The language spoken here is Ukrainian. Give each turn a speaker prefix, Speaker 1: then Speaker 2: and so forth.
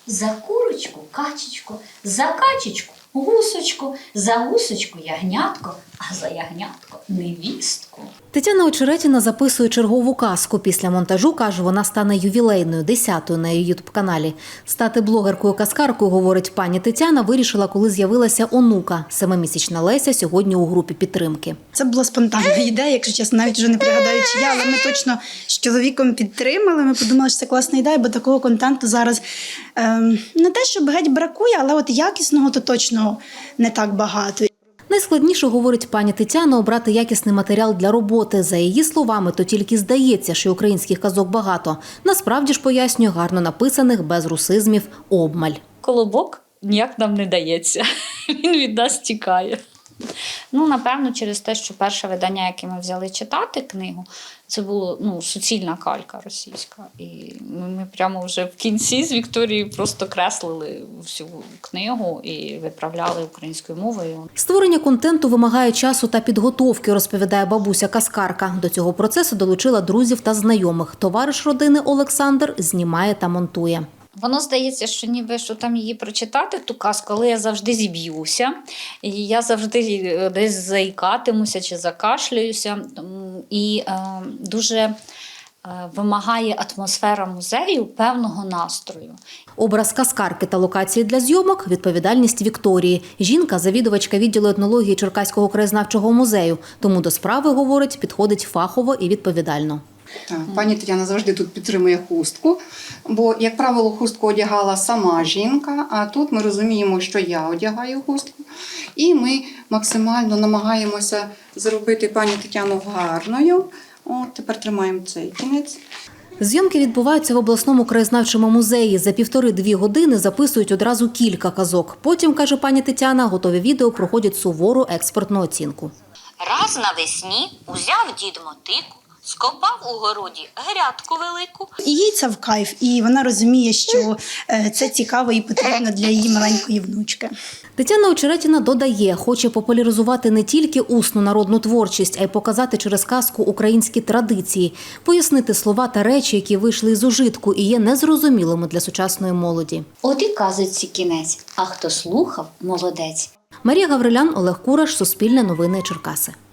Speaker 1: За курочку качечку, за качечку гусочку, за гусочку ягнятко, а за ягнятко невістку.
Speaker 2: Тетяна Очеретіна записує чергову казку. Після монтажу, каже, вона стане ювілейною, 10-ю на її ютуб-каналі. Стати блогеркою-казкаркою, говорить пані Тетяна, вирішила, коли з'явилася онука. 7-місячна Леся сьогодні у групі підтримки.
Speaker 3: Це була спонтанна ідея, якщо чесно, навіть вже не пригадаю, чия, але ми точно з чоловіком підтримали. Ми подумали, що це класна ідея, бо такого контенту зараз не те, щоб геть бракує, але от якісного то точно не так багато.
Speaker 2: Найскладніше, говорить пані Тетяна, обрати якісний матеріал для роботи. За її словами, то тільки здається, що українських казок багато. Насправді ж, пояснює, гарно написаних, без русизмів, обмаль.
Speaker 1: Колобок ніяк нам не дається. Він від нас тікає. Напевно, через те, що перше видання, яке ми взяли читати книгу, це було суцільна калька російська. І ми прямо вже в кінці з Вікторією просто креслили всю книгу і виправляли українською мовою.
Speaker 2: Створення контенту вимагає часу та підготовки, розповідає бабуся-казкарка. До цього процесу долучила друзів та знайомих. Товариш родини Олександр знімає та монтує.
Speaker 1: Воно здається, що ніби що там її прочитати, ту казку, але я завжди зіб'юся. І я завжди десь заїкатимуся чи закашлююся. І дуже вимагає атмосфера музею певного настрою.
Speaker 2: Образ казкарки та локації для зйомок – відповідальність Вікторії. Жінка – завідувачка відділу етнології Черкаського краєзнавчого музею. Тому до справи, говорить, підходить фахово і відповідально.
Speaker 4: Так, пані Тетяна завжди тут підтримує хустку, бо, як правило, хустку одягала сама жінка, а тут ми розуміємо, що я одягаю хустку. І ми максимально намагаємося зробити пані Тетяну гарною. От, тепер тримаємо цей кінець.
Speaker 2: Зйомки відбуваються в обласному краєзнавчому музеї. За 1,5-2 години записують одразу кілька казок. Потім, каже пані Тетяна, готові відео проходять сувору експертну оцінку.
Speaker 5: Раз навесні узяв дід мотику, скопав у городі грядку велику.
Speaker 3: І їй це в кайф, і вона розуміє, що це цікаво і потрібно для її маленької внучки.
Speaker 2: Тетяна Очеретіна додає, хоче популяризувати не тільки усну народну творчість, а й показати через казку українські традиції, пояснити слова та речі, які вийшли із ужитку і є незрозумілими для сучасної молоді.
Speaker 1: От і казочці кінець, а хто слухав – молодець.
Speaker 2: Марія Гаврилян, Олег Кураш, Суспільне новини, Черкаси.